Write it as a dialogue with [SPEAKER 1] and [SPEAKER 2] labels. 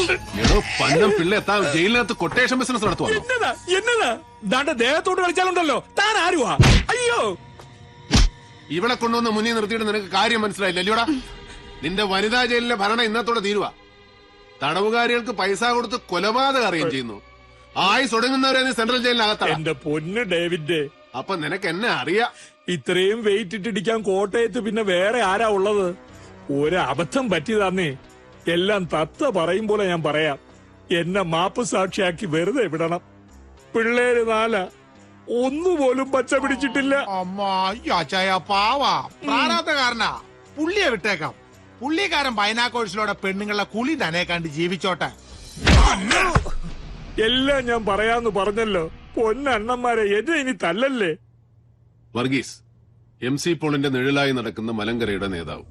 [SPEAKER 1] എടോ പന്നം പിള്ള എത്താൻ ജയിലിനകത്ത് കൊട്ടേഷൻ ബിസിനസ് നടത്തുവാ.
[SPEAKER 2] എന്നതാ ദാണ്ട ദേഹത്തോട്ട് കളിച്ചാലുണ്ടല്ലോ താൻ ആരുവാ? അയ്യോ,
[SPEAKER 1] ഇവിടെ കൊണ്ടുവന്ന് മുന്നിൽ നിർത്തിയിട്ട് നിനക്ക് കാര്യം മനസ്സിലായില്ല അല്ലയോടാ? നിന്റെ വനിതാ ജയിലിലെ ഭരണം ഇന്നത്തോടെ തീരുവാ. തടവുകാരികൾക്ക് പൈസ കൊടുത്ത് കൊലപാതകം അറിയുകയും ചെയ്യുന്നു. ആയുസ് ഒടുങ്ങുന്നവരെ നീ സെൻട്രൽ ജയിലിനകത്താണ്.
[SPEAKER 2] എന്റെ പൊന്ന് ഡേവിഡ്,
[SPEAKER 1] അപ്പൊ നിനക്ക് എന്നെ അറിയാം.
[SPEAKER 2] ഇത്രയും വെയിറ്റ് ഇട്ടിടിക്കാൻ കോട്ടയത്ത് പിന്നെ വേറെ ആരാ ഉള്ളത്? ഒരബദ്ധം പറ്റിയതാന്നേ. എല്ലാം തത്ത പറയും പോലെ ഞാൻ പറയാം. എന്നെ മാപ്പ് സാക്ഷിയാക്കി വെറുതെ വിടണം. പിള്ളേര് 4 ഒന്നുപോലും പച്ച പിടിച്ചിട്ടില്ല.
[SPEAKER 3] അമ്മാച്ചായ പാവാ പ്രാരാബ്ധകാരനാ. പുള്ളിയെ വിട്ടേക്കാം. പുള്ളിക്കാരൻ ബൈനാക്കോഴ്സിലൂടെ പെണ്ണുങ്ങളെ കുളി തന്നെ കണ്ട് ജീവിച്ചോട്ടെ.
[SPEAKER 2] എല്ലാം ഞാൻ പറയാന്ന് പറഞ്ഞല്ലോ. പൊന്നണ്ണന്മാരെ, എന്നെ ഇനി തല്ലല്ലേ.
[SPEAKER 1] വർഗീസ് MC പോളിന്റെ നിഴലായി നടക്കുന്ന മലങ്കരയുടെ നേതാവ്.